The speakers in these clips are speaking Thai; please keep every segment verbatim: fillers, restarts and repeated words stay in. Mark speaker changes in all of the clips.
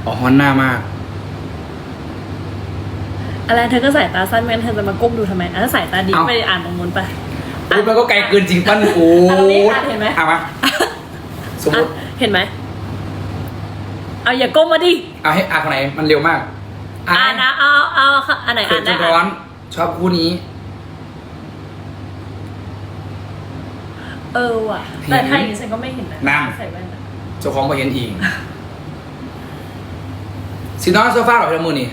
Speaker 1: ออกฮอนหน้ามาก
Speaker 2: อะไรเธอก็สายตาสั้นแม่เธอจะมาก้มดูทำไมอ่ะสายตาดีไปอ่านตรงนู้นไป
Speaker 1: ปุ๊บมันก็ไกลเกินจริงปั้นโอ้
Speaker 2: ยเห็นไหม
Speaker 1: เอามาสมมติ
Speaker 2: เห็นไหมเอาอย่าก้มมาดิ
Speaker 1: เอาให้อ่านคนไหนมันเร็วมาก
Speaker 2: อ่านนะเอาเอาอันไหนอ่านได้
Speaker 1: ร้อนชอบคู่นี้
Speaker 2: เออว่ะแต่ไทยนี่ฉันก็ไม่เห็นนะ
Speaker 1: นั่ง
Speaker 2: ใส่แว่น
Speaker 1: เจ้าของไปเห็นอีกซีนอนโซฟาหรอพี่ละมือนี่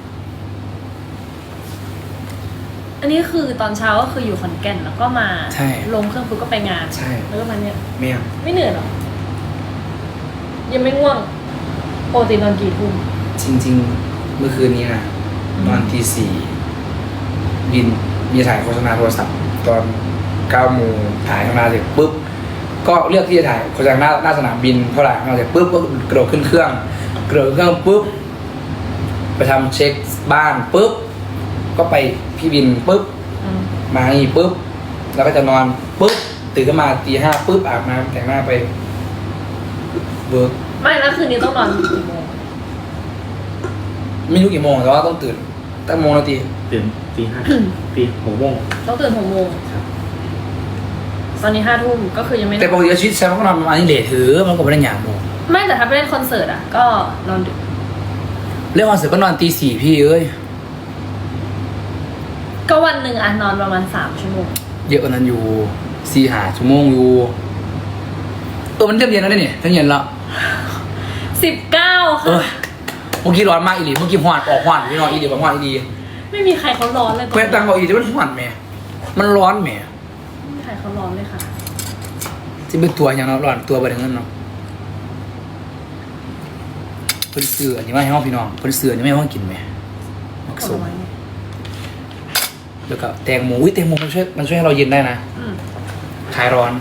Speaker 2: อันนี้คือตอนเช้าก็คืออยู่ขอนแก่นแล้วก็มาลงเครื่องปุ๊บก็ไปงาน
Speaker 1: ใช่
Speaker 2: แล้วก็มาเนี่ย
Speaker 1: ไม่
Speaker 2: ไม่เหนื่อยหรอยังไม่ง่วงปกตินอนกี่ทุ่ม
Speaker 1: จริงๆเมื่อคืนนี้นะนอนทีสี่บินมีถ่ายโฆษณาโทรศัพท์ตอนเก้าโมงถ่ายมาเสร็จปุ๊บก็เลือกที่จะถ่ายโฆษณาหน้าหน้าสนามบินเท่าไหร่มาเสร็จปุ๊บก็กระโดดขึ้นเครื่องกระโดดเครื่องปุ๊บไปทำเช็คบ้านปุ๊บก็ไปพี่บินปุ๊บมาอีกปุ๊บแล้วก็จะนอนปุ๊บตื่นขึ้นมาตีห้าปุ๊บอาบน้ำแต่งหน้าไปเบิร์ก
Speaker 2: ไม่แล้วคืนนี้ต้องนอนกี่โมง
Speaker 1: ไม่รู้กี่โมงแต่ว่าต้องตื่นตั้งโมงนาที
Speaker 3: ตื่นตีห้าตีหกโมง
Speaker 2: ต้องตื่นหกโมงตอนนี้ห้าทุ่มก็คือยังไม่
Speaker 1: แต่ปกติชีวิตแซมก็นอนประมาณนี้เลทถือมันก็ไม่ได้หยาบโมง
Speaker 2: ไม่แต่ถ้าไปเล่นคอนเสิร์ตอ่ะก็นอนดึก
Speaker 1: เล่นคอนเสิร์ตก็นอนตีสี่พี่เอ้ย
Speaker 2: ก็วันหนึ่งอ่ะนอนประมาณสามชั่วโมง
Speaker 1: เยอะกว่านั้นอยู่สี่หาชั่วโมงอยู่เออมันเริ่มเย็นแล้วเนี่ยทั้งเย็นแล้ว
Speaker 2: สิบเก้าค่ะ
Speaker 1: เมื่อกี้ร้อนมากอีหลีเมื่อกี้หวานออกหวานพี่นอนอีหลีแบบหวานอีหลี
Speaker 2: ไม่มีใครเขาร้อนเลย
Speaker 1: เพื่อนตังบอกอีหลีมันหวานแม่มันร้อนแม่
Speaker 2: ไม่มีใครเขาร้อนเลยค่ะ
Speaker 1: จะเป็นตัวอย่างเราร้อนตัวไปถึงนั้นเนาะเพิ่นซื้ออันนี้มาให้ห้องพี่น้องเพิ่นซื้ออันนี้ไม่ให้ห้องกินแม่มักสมแล้วก็แตงโมอุ้ยแตงโมมันช่วยมันช่วยให้เราเย็นได้นะคลายร้อน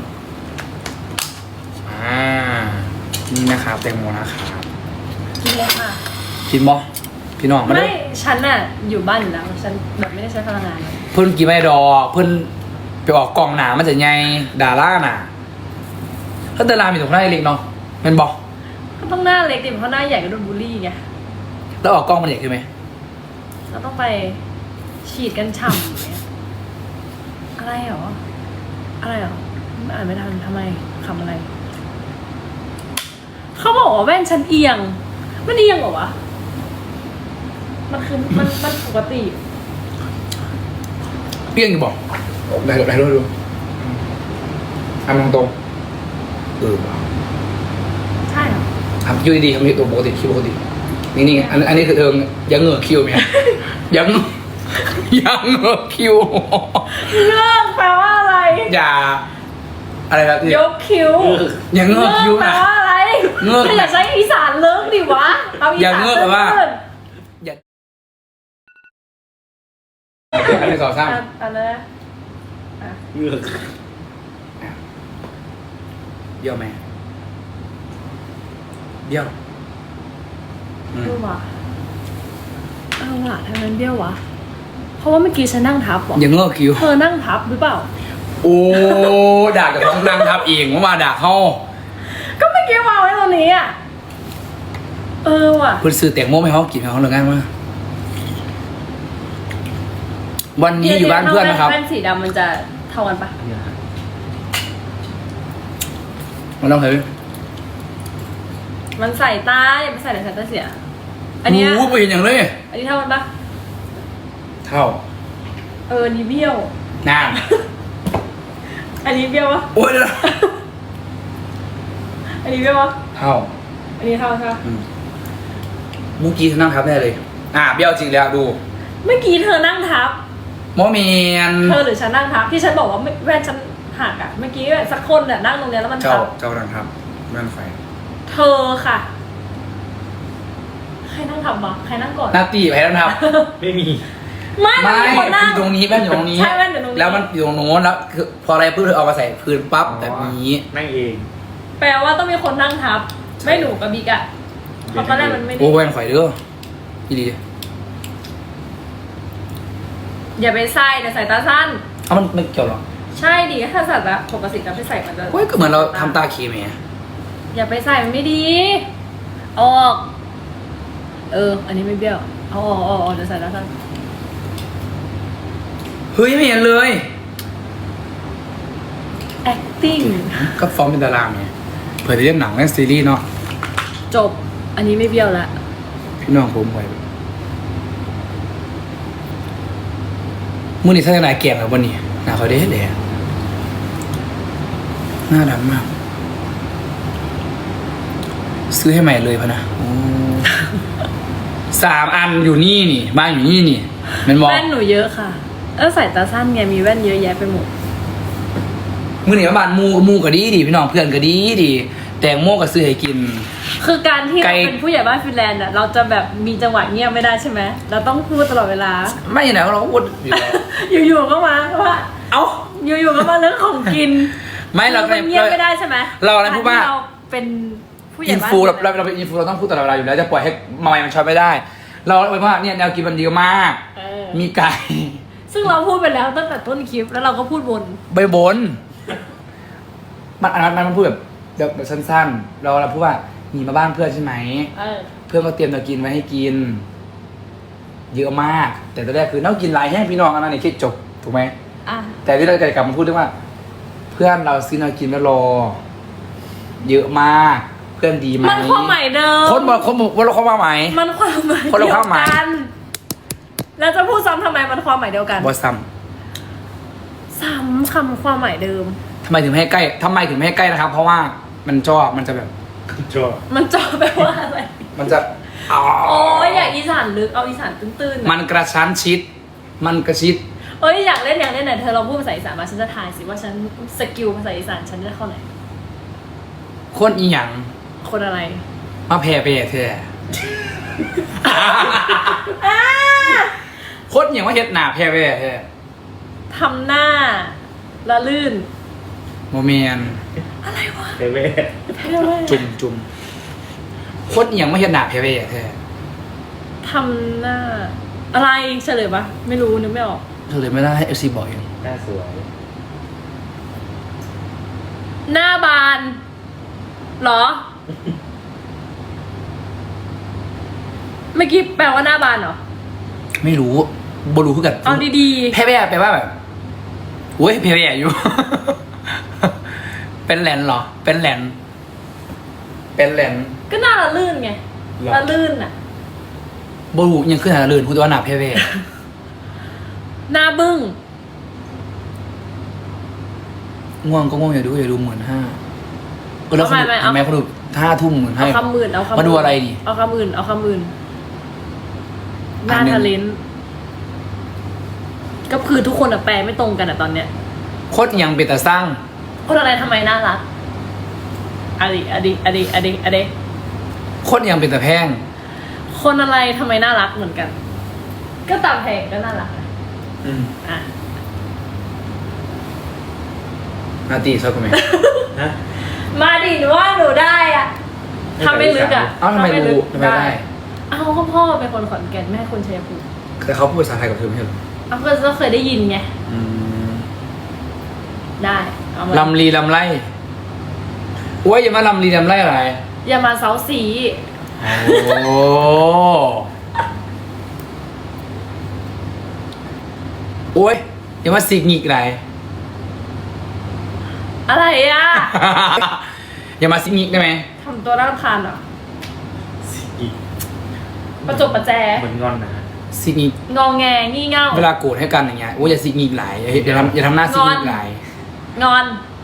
Speaker 1: อ่านี่นะครับแตงโมนะครับ
Speaker 2: กินเลยค่ะ
Speaker 1: กินบ่พี่น้อง
Speaker 2: ไม่ฉันน่ะอยู่บ้านอยู่แล้วฉันแบบไม่ได้ใช้พลังงาน
Speaker 1: เพิ่นกินไม่ดอกเพิ่นไปออกกองหนามันจะไงดาราน่ะถ้าดารามีตรงหน้าเล็กเนาะมันบอก
Speaker 2: ก็ต้องหน้าเล็กดิเพราะหน้าใหญ่ก็โดนบูลลี่ไง
Speaker 1: แล้วออกกล้องมันใหญ่ขึ้นไหม
Speaker 2: เราต้องไปฉีดกันฉ่ำเนี่ยอะไรหรออะไรหรอไม่อ่านไม่ทันทำไมคำอะไรเขาบอกว่าแว่นฉันเอียงมันเอียงเหรอวะมันคือมันมันปกติ
Speaker 1: เปี้ยงอยู่บอกไหนไหนดูดูทำตรงตรงเออ
Speaker 2: ใช่เหรอ
Speaker 1: ทำคิวดีๆทำตัวปกติคิวปกตินี่นี่อันอันนี้คือเธอยังเงือกคิวไหมยังยังเงือกคิว
Speaker 2: เงือกแปลว่าอะไร
Speaker 1: อย่าอะไรแบบ
Speaker 2: ยกคิว
Speaker 1: ยังเงือกคิว
Speaker 2: แปลว่าอะไรเงือกอย่าใช้อีสานเลิกดิวะเอาอีสาน
Speaker 1: เงือกแปลว่าอย่าอันนี้สองสาม
Speaker 2: อันนั้น
Speaker 3: เงือก
Speaker 1: เบี้ยวไหมเบี้ยว
Speaker 2: เบี้ยววะเออว่ะทำไมเบี้ยววะเพราะว่าเมื่อกี้ฉันนั่งทับหรอ
Speaker 1: ยังเงือกคิว
Speaker 2: เธอนั่งทับหรือเปล่า
Speaker 1: โอ้ด่ากับท้องนั่งทับเองว่ามาด่าเขา
Speaker 2: ก็เมื่อกี้วางไว้ตรงนี้อ่ะเออว่ะ
Speaker 1: เพื่อนซื้อแตงโมให้เขากินเขาเลยง่ายมากวันนี้อยู่บ้านเพื่อนนะครับ
Speaker 2: แว่นสีดำมันจะเท่ากันปะ
Speaker 1: มันต้องเฮ้ย
Speaker 2: มันใส่ตาอย่าไปใส่ในสายตาเสียอันนี้
Speaker 1: โอ้ไปเห็นอย่างเลย
Speaker 2: อันนี้เท่ากันปะ
Speaker 1: เท่า
Speaker 2: เออนี่เบี้ยว
Speaker 1: น่า
Speaker 2: อันนี้เบี้ยววะ
Speaker 1: โอ้ย
Speaker 2: อันนี้เบี้ยววะ
Speaker 1: เท่า
Speaker 2: อันนี้เท่าใช่ไหม
Speaker 1: เมื่อกี้เธอนั่งทับแน่เลยอ่ะเบี้ยวจริงแล้วดู
Speaker 2: เมื่อกี้เธอนั่งทับ
Speaker 1: โมเมน
Speaker 2: เธอหรือฉันนั่งทับที่ฉันบอกว่าแว่นฉันหักอ่ะเมื่อกี้สักคนเนี่ยนั่งตรงนี้แล้วมันทับ
Speaker 1: เจ้านั่งทับแว่นไฟ
Speaker 2: เธอค่ะใครนั่งทับวะใครนั่งก่อน
Speaker 1: หน้าตีใครนั่งทับ
Speaker 3: ไม่มี
Speaker 2: ไม่
Speaker 1: ไม่อยู่ตรงนี้แว่นอยู่ตรงนี้
Speaker 2: ใช่แว่นอยู่ตรงนี้
Speaker 1: แล้วมันอยู่ตรงโน้นแล้วคือพออะไรปุ๊บเธอเอามาใส่พื้นปั๊บแบบนี้
Speaker 3: นั่งเอง
Speaker 2: แปลว่าต้องมีคนนั่งทับไม่หนูกับบิ๊กอะเพราะตอนแรกมันไม่ได้
Speaker 1: โอ้แว่นไฟเด้อพี่ดี
Speaker 2: อย่าไปใส่แต่ใส่ตาสั้น
Speaker 1: เอามันไม่เกี่ยวหรอ
Speaker 2: ใช่ดิถ้าใส่ตาปกติจะไปใส่มันจะ
Speaker 1: เฮ้ยก็เหมือนเราทำตาเคมี
Speaker 2: อย่าไปใส่มันไม่ดีออกเออ อันนี้ไม่เบี้ยวเอาออกเอาออกเดี๋ยวใส่แล้วกัน
Speaker 1: เฮ้ยไม่เห็นเลย
Speaker 2: acting
Speaker 1: ก็ฟอร์มเป็นดาราไงเผื่อจะเล่นหนังเล่นซีรีส์เนาะ
Speaker 2: จบ อันนี้ไม่เบี้ยวละ
Speaker 1: พี่น้องผมไว้มื่อนี้ท่านนายแก่งแล้ววันนี้หน้าเขาเด้เด้หน้าดำมาก ซื้อให้ใหม่เลยพะนะโอ้สามอันอยู่นี่นี่บ้านอยู่นี่นี่มันมอง
Speaker 2: แว่นหนูเยอะค่ะ เออใส่ตาสั้นไงมีแว่นเยอะแยะไปหมด
Speaker 1: มื่อนี้บ้านมูมูก็ดีดีพี่น้องเพื่อนก็ดีดีแตงโมก็ซื้อให้กิน
Speaker 2: คือการที่
Speaker 1: ไกล
Speaker 2: เราเป็นผู้ใหญ่บ้านฟินแลนด์อะเราจะแบบมีจังหวะเงียบไม่ได้ใช่ไหมเราต้องพูดตลอดเวลา
Speaker 1: ไม่ไหนเราก็พูดอยู่แล้ว
Speaker 2: อยู่ๆก็มาว่า
Speaker 1: เอ้า
Speaker 2: อยู่ๆก็มาเรื่องของกิน
Speaker 1: ไม่เรา
Speaker 2: คือมันเงียบไม่ได้ใช่ไหม
Speaker 1: เราอะไรพูดว่า
Speaker 2: กรที่เราเป็นผู้ใหญ่
Speaker 1: อิน
Speaker 2: บ้าน
Speaker 1: ฟูเราเราเราเป็นอินฟูเราต้องพูดตลอดเวลาอยู่แล้วจะปล่อยให้มามันช็อตไม่ได้ เราเลยว่าเนี่ยแนวกินมันดีมาก
Speaker 2: เออ
Speaker 1: มีไก่
Speaker 2: ซึ่งเราพูดไปแล้วตั้งแต่ต้นคลิปแล้วเราก็พูดวน
Speaker 1: ใบบนมันอันนั้นมันพูดแบบแบบแบบสั้นๆ เราเราพูดว่ามีมาบ้านเพื่อนใช่ไหม
Speaker 2: เออ
Speaker 1: เพื่อนก็เตรียมจะกินไว้ให้กิน เยอะมาก แต่ตอนแรกคือน้องกินหลายแห้งพี่น้องอันนั้นนี่คิดจบถูกไหม
Speaker 2: อ่ะ
Speaker 1: แต่ที่เราจะกลับมาพูดเรื่องว่า เพื่อนเราซื้อเรากินแล้วรอ เยอะมาก เพื่อนดีไหม
Speaker 2: มันความหมายเดิม
Speaker 1: คนบอกคนบอกว่าเราความหมาย
Speaker 2: มันความหมาย
Speaker 1: คนละความหมาย
Speaker 2: เดียวกันแล้วจะพูดซ้ำทำไมมันความหมายเดียวกัน
Speaker 1: บอซัม
Speaker 2: ซ้ำคำความหมายเดิม
Speaker 1: ทำไมถึงไม่ให้ใกล้ทำไมถึงไม่ให้ใกล้นะครับ เพราะว่ามันจ่อมันจะแบบ
Speaker 3: ชอบ
Speaker 2: มันจอแปลว่าอะไร
Speaker 1: มันจะอ๋อ
Speaker 2: โอ้ยอยากอีสานลึกเอาอีสานตื้นๆ
Speaker 1: มันกระชั้นชิด มันกระชิด
Speaker 2: เอ้ยอยากเล่นอยากเล่นไหนเธอลองพูดภาษาอีสานมาฉันจะทายสิว่าฉันสกิลภาษาอีสานฉันจะเข้าไหน
Speaker 1: คนอีหยัง
Speaker 2: คนอะไร
Speaker 1: มาแผ่ไปแท้ คนอหย่างว่าเฮ็ดหนาแผ่ไปแท้
Speaker 2: ทำหน้าละลื่น
Speaker 1: โมเมน
Speaker 2: อะไรวะ
Speaker 3: เทเวศ
Speaker 2: เท่เลย
Speaker 1: จุ่มจุ่มคนอหย่างว่าเฮ็ดหนาแผ่ไปแท้
Speaker 2: ทำหน้า อะไรเฉลยปะไม่รู้นึกไม่ออก
Speaker 1: เธอเลยไม่ได้ให้เอฟซีบอกเอง
Speaker 3: หน้าสวย
Speaker 2: หน้าบานเหรอ เมื่อกี้แปลว่าหน้าบานเหรอ
Speaker 1: ไม่รู้บรู้คือกัน
Speaker 2: เอาดี
Speaker 1: แผ่ไปแปลว่าแบบโอ้ยแผ่ไปอยู่ เป็นแหลนเหรอ เป็นแหลนเป็นแหลน
Speaker 2: ๆ ก็หน้าละลื่นไงละลื่นอะ
Speaker 1: บรูยังขึ้นหาลื่นพูดว่าหนาแผ่ไป
Speaker 2: หน้าบึ้ง
Speaker 1: ง่วงก็ง่วงอย่าดูอย่าดูหมื่นห้าก็แล้วคนดู
Speaker 2: ไม่ไม่เอา
Speaker 1: ทำไมคนดูห้าทุ่มหมื่นห้า
Speaker 2: เอาคำอื่นเอาคำ
Speaker 1: มาดูอะไรดิ
Speaker 2: เอาคำอื่นเอาคำอื่นหน้า
Speaker 1: อันหนึ่ง
Speaker 2: ทะเลนก็คือทุกคนอะแปลไม่ตรงกันอะตอนเนี้ย
Speaker 1: โคตรยังเป็นแต่สร้าง
Speaker 2: คนอะไรทำไมน่ารักอะดิอะดิอะดิอะดิอะดิ
Speaker 1: โคตรยังเป็นแต่แพง
Speaker 2: คนอะไรทำไมน่ารักเหมือนกัน ก็ตามเพลงก็น่ารักอะ
Speaker 1: อืม
Speaker 2: อ่ะ
Speaker 1: นาตีชอบกันไหม
Speaker 3: ฮะ
Speaker 2: มาดิหนูว่าหนูได้อะทำไม่ลึกอะ
Speaker 1: เอ้าทำไมรู้ทำไมได้
Speaker 2: เอาก็พ่อเป็นคนขอนแก่นแม่คนชัยภูมิ
Speaker 1: แต่เขาพูดภาษาไทยกับเธอไม่ใช่เหรอ
Speaker 2: เอาก็ก็เคยได้ยินไง
Speaker 1: อืม
Speaker 2: ได้เอามา
Speaker 1: ลำลีลำไรโอ้ยอย่ามาลำลีลำไรอะไร
Speaker 2: อย่ามาเซาสี
Speaker 1: โอ้โอ้ยอย่ามาสิกหงิกอะไร
Speaker 2: อะไรอะ
Speaker 1: อย่ามาสิกหงิกได้ไหม
Speaker 2: ทำตัวน่ารำคาญเหรอ
Speaker 3: อีก
Speaker 2: ประจบประแจ
Speaker 3: เหมือนงอนนะ
Speaker 1: สิกหงิก
Speaker 2: งองแงงี่เง่า
Speaker 1: เวลาโกรธให้กันอย่างเงี้ยโอ้ยอย่าสิกหงิกหลายอย่าอย่าทำอย่าทำหน้าสิกหงิกหลาย
Speaker 2: งอน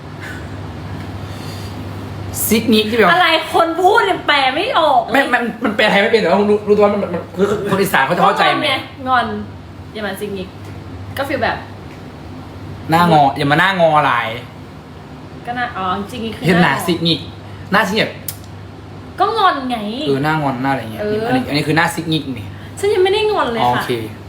Speaker 1: ซิกนิกที่แบบ
Speaker 2: อะไรคนพูดเนี่ยแปลไม่ออก
Speaker 1: ไม่มันมันแปลไทยไม่เป็นแต่ว่ารู้รู้ตัวว่ามันมันคือคนอีสานเขาจะเข้าใจไหม
Speaker 2: ไงงอนอย่ามาซิงนิกก็ฟีลแบบ
Speaker 1: หน้างออย่ามาหน้างอหลาย
Speaker 2: ก็น่าอ๋อจริงๆคือ
Speaker 1: เห็นหน้าซิกนิกหน้าที่แบบ
Speaker 2: ก็งอนไง
Speaker 1: เออหน้างอนหน้าอะไรเงี้ย
Speaker 2: เอออั
Speaker 1: อันนี้อันนี้คือหน้าซิกนิกนี่
Speaker 2: ฉันยังไม่ได้งอนเลย
Speaker 1: อ๋อโอ
Speaker 2: ค่ะ
Speaker 1: เค